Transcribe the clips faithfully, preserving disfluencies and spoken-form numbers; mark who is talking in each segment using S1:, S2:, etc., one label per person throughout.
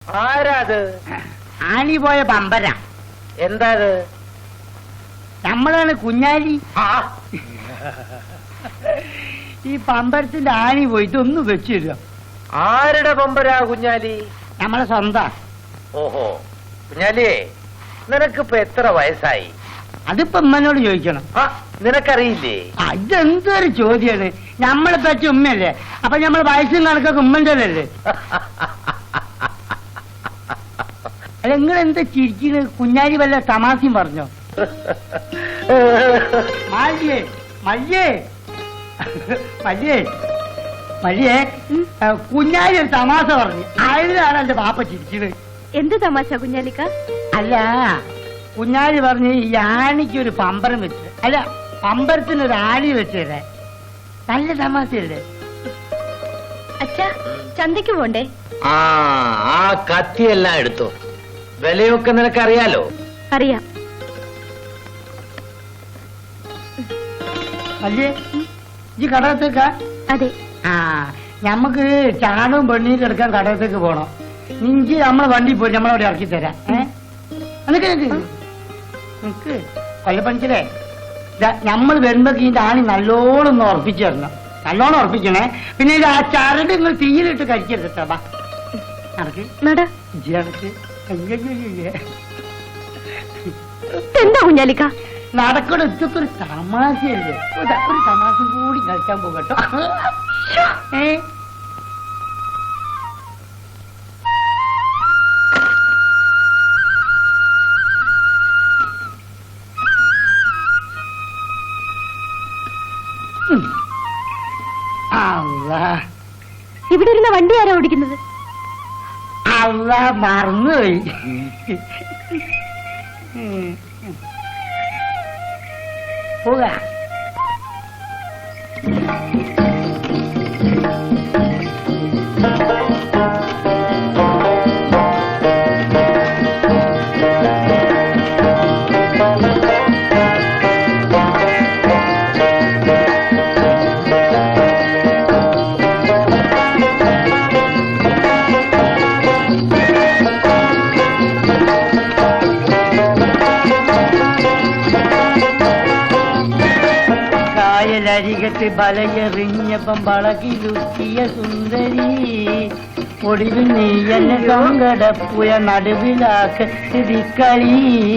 S1: ആരാത്?
S2: ആണി പോയ പമ്പര.
S1: എന്താ അത്?
S2: നമ്മളാണ് കുഞ്ഞാലി. ഈ പമ്പരത്തിന്റെ ആണി പോയിട്ട് ഒന്ന് വെച്ചു തരുക.
S1: ആരുടെ പമ്പരാ കുഞ്ഞാലി?
S2: നമ്മളെ സ്വന്തം.
S1: ഓഹോ, കുഞ്ഞാലിയേ, നിനക്കിപ്പോ എത്ര വയസ്സായി?
S2: അതിപ്പോ ഉമ്മനോട് ചോദിക്കണം.
S1: നിനക്കറിയില്ലേ?
S2: ഇതെന്തൊരു ചോദ്യാണ്. നമ്മളെ പറ്റ ഉമ്മയല്ലേ, അപ്പൊ നമ്മളെ വയസ്സും കണക്കൊക്കെ ഉമ്മന്റെ അല്ലേ? അല്ല, നിങ്ങൾ എന്താ ചിരിക്കുന്നത്? കുഞ്ഞാലി വല്ല തമാശയും പറഞ്ഞോ? മല്യേ മല്യേ മല്യേ മല്യേ കുഞ്ഞാലി ഒരു തമാശ പറഞ്ഞു. അതിലാണ് എന്റെ പാപ്പ ചിരിക്കുന്നത്.
S3: എന്ത് തമാശ കുഞ്ഞാലിക്ക?
S2: അല്ല, കുഞ്ഞാലി പറഞ്ഞ് ഈ ആണിക്ക് ഒരു പമ്പരം വെച്ച്, അല്ല പമ്പരത്തിനൊരു ആണി വെച്ചേ. നല്ല തമാശയല്ലേ?
S3: അച്ഛാ, ചന്തയ്ക്ക് പോണ്ടേ?
S1: ആ ആ കത്തിയെല്ലാം എടുത്തോ. വിലയൊക്കെ നിനക്കറിയാലോ?
S3: അറിയാം.
S2: അല്ലേ ഈ കടകത്തേക്കാ?
S3: അതെ.
S2: ആ, ഞമ്മക്ക് ചാണവും പെണ്ണീരും എടുക്കാൻ കടകത്തേക്ക് പോണം. നിഞ്ചി നമ്മളെ വണ്ടി പോയി നമ്മളവിടെ ഇറക്കി തരാം. ഏഹ് നിനക്ക് നിനക്ക് കൊല്ലപ്പണിച്ചല്ലേ, നമ്മൾ വരുമ്പോ ഇതിന്റെ ആണി നല്ലോണം ഒന്ന് ഉറപ്പിച്ചു തരണം. നല്ലോണം ഉറപ്പിക്കണേ. പിന്നെ ഇത് ആ ചരട് നിങ്ങൾ തീയിലിട്ട് കഴിക്കരുത് കേട്ടോ. ബാ നടക്ക് ഇജ്ജി നടക്ക്.
S3: എന്താ കുഞ്ഞാലിക്ക
S2: നടക്കണ? ഇതൊക്കെ ഒരു തമാശയല്ലേ? ഒരു തമാശ കൂടി കളിക്കാൻ പോകട്ടോ. ഏ
S3: ഇവിടെ ഇരുന്ന വണ്ടി ആരാ ഓടിക്കുന്നത്?
S2: അല്ല, മറന്നുപോയി. പോകാ. അരികത്ത് ബലയെറിഞ്ഞപ്പം വളകിലുക്കിയ സുന്ദരി, ഒടുവിൽ നീ എന്നെ സങ്കടപ്പുയ നടുവിലാക്കളി.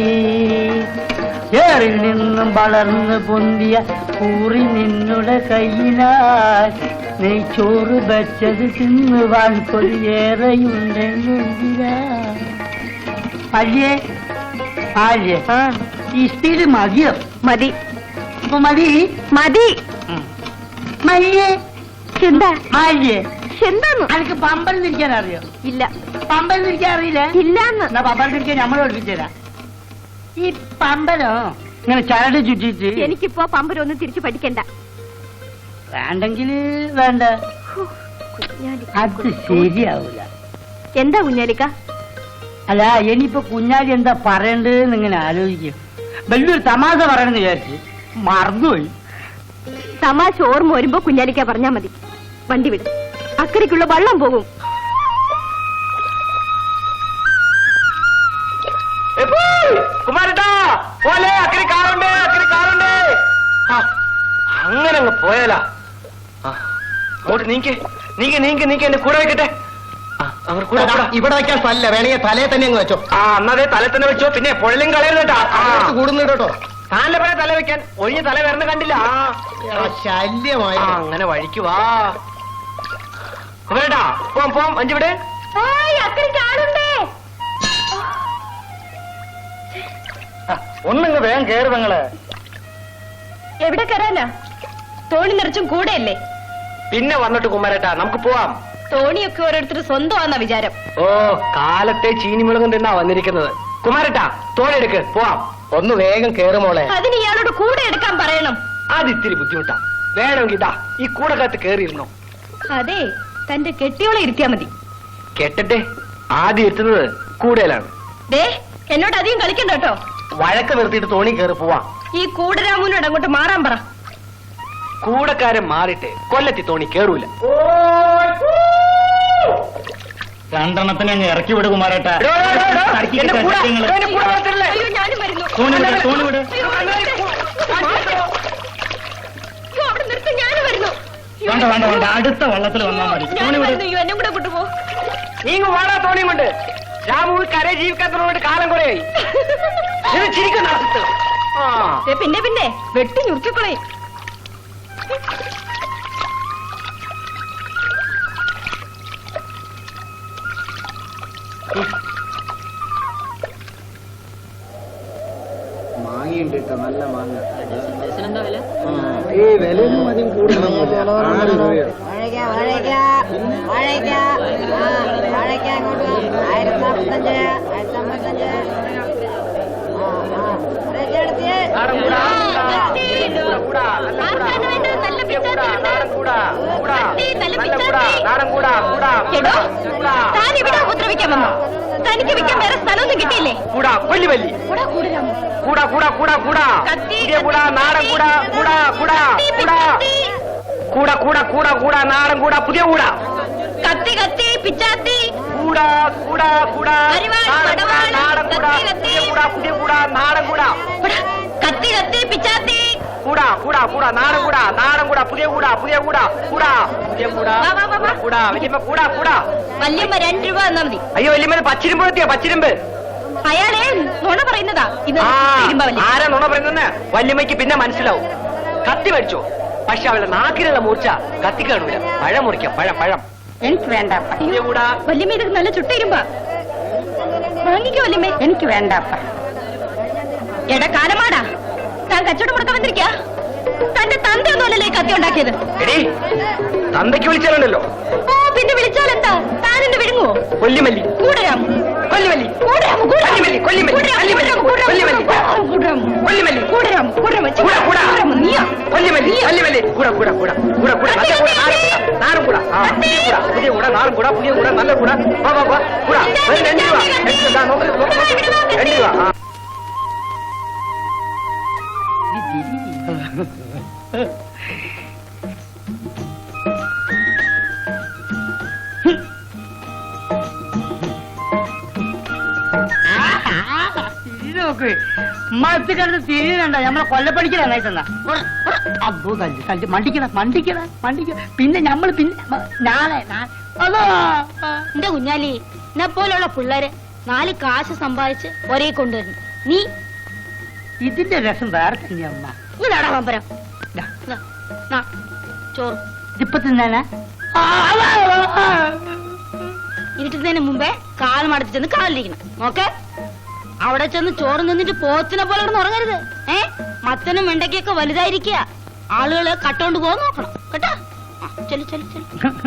S2: ഏറിൽ നിന്നും വളർന്നു പൊന്തിയ കൂറി നിന്നുടെ കയ്യിനാൽ നീ ചോറ് വെച്ചത് തിന്നുവാൻ കൊതിയേറെയുണ്ടെങ്കിലാ. അല്ലേ അല്ലേ ഈ സ്പീഡ് മതിയോ?
S3: മതി
S2: മതി
S3: മതി
S2: മയ്യേ.
S3: എന്താ
S2: മയ്യേ
S3: എന്താന്ന്?
S2: എനിക്ക് പമ്പരം തിരിക്കാൻ അറിയോ?
S3: ഇല്ല.
S2: പമ്പരം തിരിക്കാൻ അറിയില്ല?
S3: ഇല്ലാന്ന്.
S2: എന്നാ പമ്പരം തിരിക്കാൻ നമ്മൾ പഠിപ്പിച്ചുതരാം. ഈ പമ്പരോ ഇങ്ങനെ ചരട് ചുറ്റിച്ച്.
S3: എനിക്കിപ്പോ പമ്പരം ഒന്നും തിരിച്ചു പഠിക്കണ്ട.
S2: വേണ്ടെങ്കിൽ വേണ്ട. അത് ശരിയാവൂല.
S3: എന്താ കുഞ്ഞാലിക്ക?
S2: അല്ല, ഇനിയിപ്പോ കുഞ്ഞാലി എന്താ പറയണ്ടെന്ന് ഇങ്ങനെ ആലോചിക്കും. വലിയൊരു തമാശ പറയണെന്ന് വിചാരിച്ച് മറന്നുപോയി.
S3: തമാശ ഓർമ്മ വരുമ്പോ കുഞ്ഞാലിക്ക പറഞ്ഞാ മതി. വണ്ടി വിടും, അക്കരയ്ക്കുള്ള വള്ളം പോകും.
S1: അങ്ങനെ അങ്ങ് പോയാലാ? അങ്ങോട്ട് നീക്ക് നീക്ക് നീക്ക് നീക്ക് എന്റെ കൂടെ വെക്കട്ടെ. അവർ കൂടെ ഇവിടെ വെക്കാൻ സ്ഥലല്ല, വേണമെങ്കിൽ തലയെ തന്നെ അങ്ങ് വെച്ചോ. ആ എന്നതേ തല തന്നെ വെച്ചോ. പിന്നെ പൊഴലും കളയരുതേട്ടാ, കൂടുന്നു കേട്ടോ. താൻ്റെ പോലെ തല വെക്കാൻ ഒഴിഞ്ഞ തല വരണ കണ്ടില്ല. ശല്യമായി. അങ്ങനെ വഴിക്ക് വാ. വേട്ടാ പോം പോം. അഞ്ചിവിടെ ഒന്നിങ്ങ് വേഗം കേറ് പെങ്ങള്.
S3: എവിടെ കയറാനാ? തോണി നിറച്ചും കൂടെയല്ലേ?
S1: പിന്നെ വന്നിട്ട് കുമാരേട്ടാ നമുക്ക് പോവാം.
S3: തോണിയൊക്കെ ഓരോരുത്തർ സ്വന്തമാണെന്ന വിചാരം.
S1: ഓ, കാലത്തെ ചീനിമുളകും തിന്നാ വന്നിരിക്കുന്നത്. കുമാരേട്ടാ തോണി എടുക്ക്, പോവാം. ഒന്ന് വേഗം കേറുമോളെ.
S3: അതിന് ഇയാളോട് കൂടെ എടുക്കാൻ പറയണം.
S1: അത് ഇത്തിരി ബുദ്ധിമുട്ടാ. വേണമെങ്കിൽ ഇതാ ഈ കൂടക്കകത്ത് കേറിയിരുന്നോ.
S3: അതെ, തന്റെ കെട്ടിയോളെ ഇരുത്തിയാ മതി.
S1: കെട്ടട്ടെ, ആദ്യം എത്തുന്നത് കൂടയിലാണ്.
S3: ദേ, എന്നോട് അധികം കളിക്കണ്ട കേട്ടോ.
S1: വഴക്ക് നിർത്തിയിട്ട് തോണി കയറി പോവാം.
S3: ഈ കൂടരാമൂനോട് അങ്ങോട്ട് മാറാൻ പറ.
S1: കൂടക്കാരൻ മാറിയിട്ട് കൊല്ലത്തി തോണി കേറൂല.
S2: രണ്ടെണ്ണത്തിന് അങ്ങ് ഇറക്കി വിട് കുമാരേട്ടാ.
S1: എടോ, എടോ, എടോ, എന്റെ കൂടെ,
S2: സത്യങ്ങള്.
S1: എന്റെ കൂടെ വളർത്തല്ലേ?
S3: അയ്യോ ഞാനും വരുന്നു
S2: തോണി വിട്, തോണി വിട്.
S3: അയ്യോ, അവിടെ നിർത്തി ഞാനും വരുന്നു
S2: വേണ്ട വേണ്ട വേണ്ട, അടുത്ത വള്ളത്തിൽ വന്നാൽ മതി. തോണി
S3: ഞാനും
S2: വിട്.
S3: വരുന്നു അയ്യോ എന്നെ കൂടെ കൊണ്ടുപോ
S1: നീങ്ങ് വാടാ തോണിയും കൊണ്ട്. രാമു കരയെ ജീവിക്കാത്തവരോട് കാലം കുറയായി. ഇത് ചിരിക്കുന്ന അർത്ഥം. ആ
S3: ദേ, പിന്നെ പിന്നെ വെട്ടി ഞുറുക്കിക്കളയും
S4: മാങ്ങയുണ്ട് കേട്ടോ, നല്ല മാങ്ങ. ഈ വിലയൊന്നും അധികം കൂടുതലൊന്നുമില്ല. ആറ് രൂപയാണ്.
S5: വാഴയ്ക്ക വാഴയ്ക്ക വാഴയ്ക്ക ആ വാഴയ്ക്ക അങ്ങോട്ട് ആയിരത്തി നാൽപ്പത്തഞ്ച് ആയിരത്തി അമ്പത്തഞ്ച് ആ ആ വാഴയ്ക്ക എടുത്തിയേ
S1: നാടൻ കൂടാ, കൂടാ, കൂടാ, നല്ല കൂടാ.
S3: ആർക്കാണ് വേണ്ടത്? നല്ല
S1: പുതിയ കൂടാ,
S3: പിച്ചാത്തി
S1: നാടൻ കൂടാ, കൂടാ,
S3: കത്തി, നല്ല
S1: നല്ല കൂടാ,
S3: പിച്ചാത്തി.
S1: നാടൻ കൂടാ, കൂടാ,
S3: എടോ
S1: കൂടാ,
S3: താൻ ഇവിടെ ഉപദ്രവിക്കാൻ വന്നോ? തനിക്ക് വിൽക്കാൻ വേറെ സ്ഥലമൊന്നും കിട്ടിയില്ലേ?
S1: കൂടാ, വല്ലി വല്ലി.
S3: കൂടാ കൂടിരാമോ
S1: കൂടാ, കൂടാ, കൂടാ, കൂടാ.
S3: കത്തി,
S1: പുതിയ കൂടാ,
S3: കത്തി,
S1: നാടൻ കൂടാ, കൂടാ, കൂടാ,
S3: കത്തി,
S1: കൂടാ.
S3: പിച്ചാത്തി.
S1: കൂടാ, കൂടാ, കൂടാ, കൂടാ, നാടൻ കൂടാ, പുതിയ കൂടാ.
S3: കത്തി കത്തി പിച്ചാത്തി
S1: കൂടാ, കൂടാ, കൂടാ,
S3: അരിവാൾ,
S1: നാടൻ കൂടാ,
S3: പടവാൾ,
S1: നാടൻ കൂടാ,
S3: കത്തി, കത്തി.
S1: പുതിയ കൂടാ, പുതിയ കൂടാ, നാടൻ കൂടാ.
S3: ഇവിടെ കത്തി കത്തി പിച്ചാത്തി
S1: കൂടാ, കൂടാ, കൂടാ, നാടൻ കൂടാ, നാടൻ കൂടാ, പുതിയ കൂടാ, പുതിയ കൂടാ, കൂടാ, പുതിയ കൂടാ,
S3: വാ, വാ, വാ, വാ.
S1: കൂടാ, വല്യമ്മ കൂടാ, കൂടാ.
S3: വല്യമ്മ രണ്ട് രൂപ തന്നാ മതി.
S1: അയ്യോ വല്യമ്മ പച്ചിരുമ്പ് എത്തിയോ, പച്ചിരുമ്പ്.
S3: അയാളെ നുണ പറയുന്നതാ ഇത്
S1: ആ
S3: തിരുമ്പ വല്യമ്മ.
S1: ആരാ നുണ പറയുന്നെന്ന് വല്യമ്മയ്ക്ക് പിന്നെ മനസ്സിലാവും. കത്തി മേടിച്ചോ, പക്ഷെ അവളുടെ നാക്കിലുള്ള മൂർച്ച കത്തി കാണൂല. പഴം മുറിക്കാം, പഴം പഴം.
S2: എനിക്ക് വേണ്ട.
S1: പുതിയ കൂടാ.
S3: വല്യമ്മ ഇതൊക്കെ നല്ല ചുട്ടിരുമ്പ വാങ്ങിക്കോ വല്യമ്മേ.
S2: എനിക്ക് വേണ്ട.
S3: എടാ കാലമാടാ, താൻ കച്ചവടം കൊടുക്കാൻ വന്നിരിക്കാ? തന്റെ തന്തയൊന്നുമല്ലല്ലേ ഈ കത്തി ഉണ്ടാക്കിയത്?
S1: എടീ തന്തയ്ക്ക് വിളിച്ചാലുണ്ടല്ലോ
S3: ഓ പിന്നെ വിളിച്ചാലെന്താ? താൻ എന്നെ വിഴുങ്ങുവോ?
S1: കൊല്ലിമല്ലി,
S3: കൂടരാമോ
S1: കൊല്ലിമല്ലി,
S3: കൂടരാമോ
S1: കൊല്ലിമല്ലി, കൊല്ലിമല്ലി, കൊല്ലിമല്ലി, കൊല്ലിമല്ലി, കൊല്ലിമല്ലി, കൂടാ, കൂടാ,
S3: നീയാ
S1: കൊല്ലിമല്ലി, കൊല്ലിമല്ലി, കൂടാ, കൂടാ, കൂടാ, കൂടാ, കൂടാ, നല്ല കൂടാ, നാടൻ കൂടാ, നാടൻ കൂടാ, ആ, പുതിയ കൂടാ, പുതിയ കൂടാ, നാടൻ കൂടാ, പുതിയ കൂടാ, നല്ല കൂടാ, വാ, വാ, വാ, കൂടാ, ഒരു രണ്ട് രൂപ, രണ്ട് രൂപ, ദാ, നോക്ക്, നോക്ക്, നോക്ക്, രണ്ട് രൂപ, ആ.
S2: നോക്ക് മത്ത് കിടന്ന് തിരിയുന്നുണ്ട. നമ്മളെ കൊല്ലപ്പണിക്കല നയിച്ചെന്നാ അബ്ബോ തല്ലി തല്ലി മണ്ടിക്കട മണ്ടിക്കട മണ്ടിക്കട. പിന്നെ ഞമ്മള് പിന്നെ മ- നാളെ നാ- അതോ
S3: എന്റെ കുഞ്ഞാലി എന്നെ പോലുള്ള പിള്ളേര് നാല് കാശ് സമ്പാദിച്ച് ഒരേ കൊണ്ടുവരുന്നു. നീ
S2: ഇതിന്റെ രസം വേറെ തന്നെയാ അമ്മ.
S3: ഇതാടാ പമ്പരം.
S2: ദാ,
S3: ദാ, നാ, ചോറ്
S2: ഇതിപ്പോ തിന്നാനാ? ആ, ആ, ആ, ആ.
S3: ഇരുട്ടുന്നതിന് മുമ്പേ കാൽ മടത്തി ചെന്ന് കാലിരിക്കണം. നോക്കെ അവിടെ ചെന്ന് ചോറ് നിന്നിട്ട് പോത്തിനെ പോലെ കിടന്ന് ഉറങ്ങരുത്. ഏ മത്തനും വെണ്ടയ്ക്കൊക്കെ വലുതായിരിക്കുക. ആളുകള് കട്ടോണ്ട് പോകാൻ നോക്കണം കേട്ടാ. ആ, ചെല്ലു ചെല്ലു ചെല്ലു.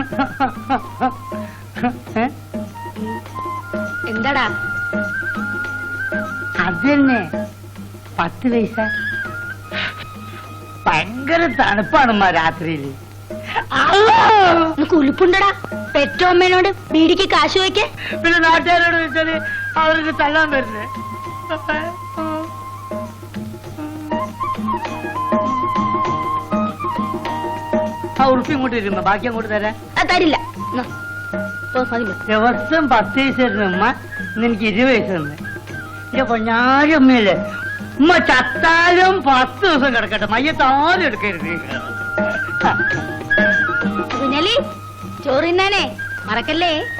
S2: ഏ?
S3: എന്താടാ
S2: അത് തന്നെ പത്ത് പൈസ. ഭയങ്കര തണുപ്പാണമ്മ രാത്രിയില്.
S3: നിനക്ക് ഉലുപ്പുണ്ടടാ? പെറ്റോ അമ്മേനോട് ബീഡിക്ക് കാശ് വയ്ക്കേ.
S2: പിന്നെ നാട്ടുകാരോട് ചോദിച്ചാല് അവർക്ക് തള്ളാൻ വരുന്നേ. ആ ഉറുപ്പി ഇങ്ങോട്ട് വരുമ്പോ ബാക്കി അങ്ങോട്ട് തരാം.
S3: അത് തരില്ല. എന്നാ, പോ, മതി, മതി.
S2: ദിവസം പത്ത് പൈസ തരുന്ന ഉമ്മ ഇന്ന് എനിക്ക് ഇരുപത് പൈസ തന്നെ. എന്റെ പൊഞ്ഞാരി ഉമ്മയല്ലേ ഉമ്മ ചത്താലും പത്ത് ദിവസം കിടക്കട്ടെ, മയ്യത്താരും എടുക്കരുത്.
S3: കുഞ്ഞാലി ചോറ് തിന്നാനേ മറക്കല്ലേ.